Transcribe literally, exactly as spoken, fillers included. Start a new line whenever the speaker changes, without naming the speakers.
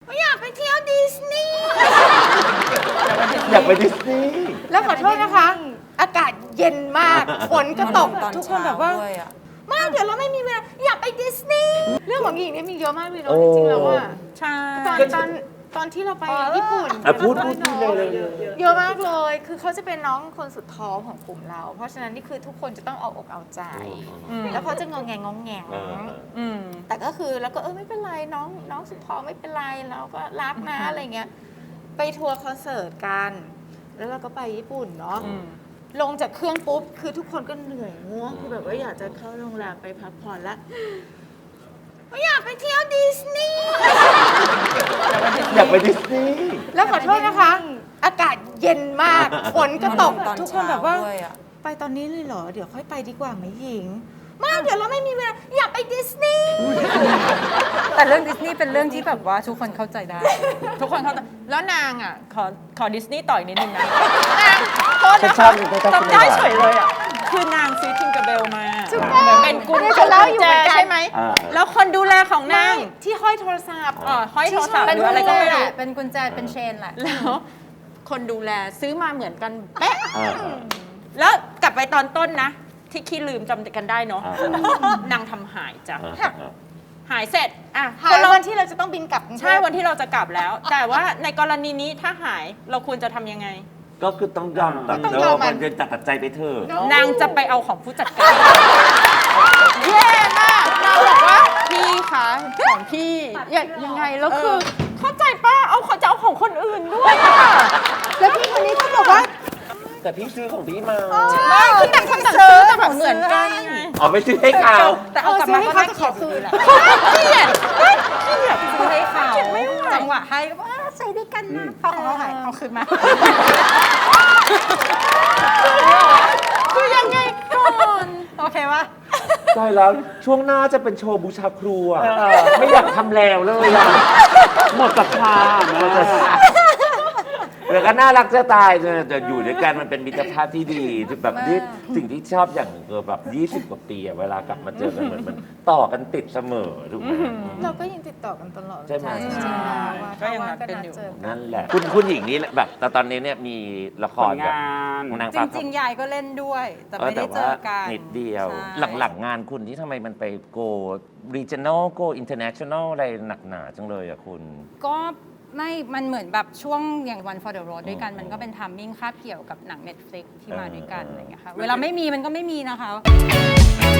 อยากไปเที่ยวดิสนีย์
อยากไปดิสนีย์
แล้วขอโทษนะคะ อากาศเย็นมากฝนก็ตกทุกคนแบบว่าไม่เดี๋ยวเราไม่มีเวลาอยากไปดิสนีย์เรื่องของหญิงเนี่ยมีเยอะมากเลยเนาะจริงๆแล้วอะ
ใช่
ตอนตอนตอนที่เราไปญี่ปุ่น
พูดพูดพูดเลย
เยอะมากเลยคือเขาจะเป็นน้องคนสุดท้องของกลุ่มเรา เพราะฉะนั้นนี่คือทุกคนจะต้องเอาอกเอาใจแล้วเขาจะงงแงงงแงงแต่ก็คือแล้วก็เออไม่เป็นไรน้องน้องสุดท้องไม่เป็นไรเราก็รักนะอะไรเงี้ยไปทัวร์คอนเสิร์ตกันแล้วเราก็ไปญี่ปุ่นเนาะลงจากเครื่องปุ๊บคือทุกคนก็เหนื่อยง่วงคือแบบว่าอยากจะเข้าโรงแรมไปพักผ่อนละอยากไปเที่ยวดิสนีย์
อยากไปดิสนีย์
แล้วขอโทษนะคะ อากาศเย็นมากฝนก็ตกทุกคนแบบว่าไปตอนนี้เลยเหรอเดี๋ยวค่อยไปดีกว่าไหมหญิงไม่เดี๋ยวเราไม่มีเวลาอยากไปดิสนีย์
แต่เรื่องดิสนีย์เป็นเรื่องที่แบบว่าทุกคนเข้าใจได้ทุกคนเข้าใจแล้วนางอ่ะขอขอดิสนีย์ต่อยนิดนึงนะนางโทษนะจำได้เฉยเลยอ่ะคือนางซื้อทิงเกอร์เบลมาเป็นกุญแจใช่ไหมแล้วคนดูแลของนาง
ที่ห้อยโทรศัพท์
อ๋อห้อยโทรศัพท์หรืออะไรก็ไม่รู้
เป็นกุญแจเป็นเชนแหละ
แล้วคนดูแลซื้อมาเหมือนกันเป๊ะแล้วกลับไปตอนต้นนะที่ขี้ลืมจำกันได้เนาะนางทำหายจ้ะหายเสร็จอ่ะ
หายวันที่เราจะต้องบินกลับ
ใช่วันที่เราจะกลับแล้ว แต่ว่าในกรณีนี้ถ้าหายเราควรจะทำยังไง
ก็คือต้องยอมตัดเนอะมันเป็นตัดใจไปเถอะ
นางจะไปเอาของผู้จัดการแย่มากนางบอกว่าพี่คะของพี่ยังไงแล้วคือเข้าใจป้าเอาเขาจะเอาของคนอื่นด้วย
แล้วพี่คนนี้ก็บอกว่า
แต่พี่ซื้อของพี่มา
ไม่คือแต่คนซื้อแต่แบบเหมือนกัน
อ๋อไม่ซื้อให้เขา
แต่เอากลับมาก็น่าเกลียดคืนแหละเกลียดเกลียดซื้อให้เขาจังหวะให้ก็ว่าใส่ด้วยกันนะพอของเขาหายเอาคืนมาคือยังไงก่อนโอเควะ
ใช่แล้วช่วงหน้าจะเป็นโชว์บูชาครูอ่ะไม่อยากทำแล้วเลยอ่ะหมดศรัทธาแล้วก็น่ารักจะตายจะอยู่ด้วยกันมันเป็นมิตรภาพที่ดีแบบที่สิ่งที่ชอบอย่างเออแบบยี่สิบกว่าปีอะเวลากลับมาเจอกันเหมือนมันต่อกันติดเสมอถูกไหม
เราก็ยังติดต่อกันตลอด
ใช่ไหม
ก็ยังนัดกันอยู่
นั่นแหละคุณคุณหญิงนี่แบบแต่ตอนนี้เนี่ยมีละครแบบ
นางจริงๆยายก็เล่นด้วยแต่ไม่ได้เจอกัน
นิดเดียวหลังๆงานคุณที่ทำไมมันไป go regional go international อะไรหนักหนาจังเลยอะคุณ
ก็ไม่ มันเหมือนแบบช่วงอย่าง One for the Road ด้วยกันมันก็เป็นทัมมิ่งคาบเกี่ยวกับหนัง Netflix ที่มาด้วยกันอะไรอย่างเงี้ยค่ะเวลาไม่มีมันก็ไม่มีนะคะ